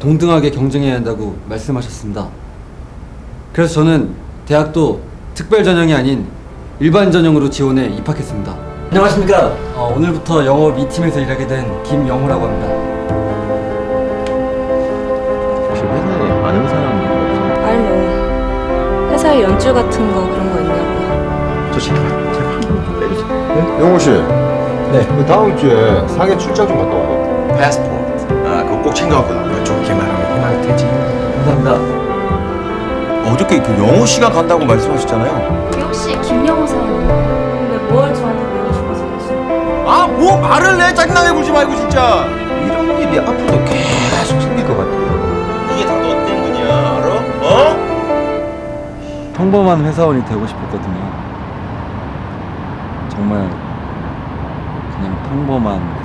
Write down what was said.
동등하게 경쟁해야 한다고 말씀하셨습니다. 그래서 저는 대학도 특별 전형이 아닌 일반 전형으로 지원해 입학했습니다. 안녕하십니까. 오늘부터 영업 2팀에서 일하게 된 김영호라고 합니다. 혹시 회사에 아는 사람이 없어요? 아니 뭐 회사에 연주 같은 거 그런 거 있냐고요. 저 제발 좀 빼주세요. 네? 영호 씨. 네. 그 다음 주에 상해 출장 좀 갔다 와요. 패스포트. 그거 꼭 챙겨갖고 나와요. 좋게만 하면 희망이 되지. 감사합니다. 어저께 그 영호 씨가 간다고 말씀하셨잖아요. 혹시 김영호 사원님 근데 뭘 저한테 배우고 싶어서 그러시나요? 아, 뭐 말을 내. 짜증나게 굴지 말고 진짜. 이런 일이 앞으로도 계속 생길 것 같아요. 이게 다 너 때문이야, 알아? 어? 평범한 회사원이 되고 싶었거든요. 정말 그냥 평범한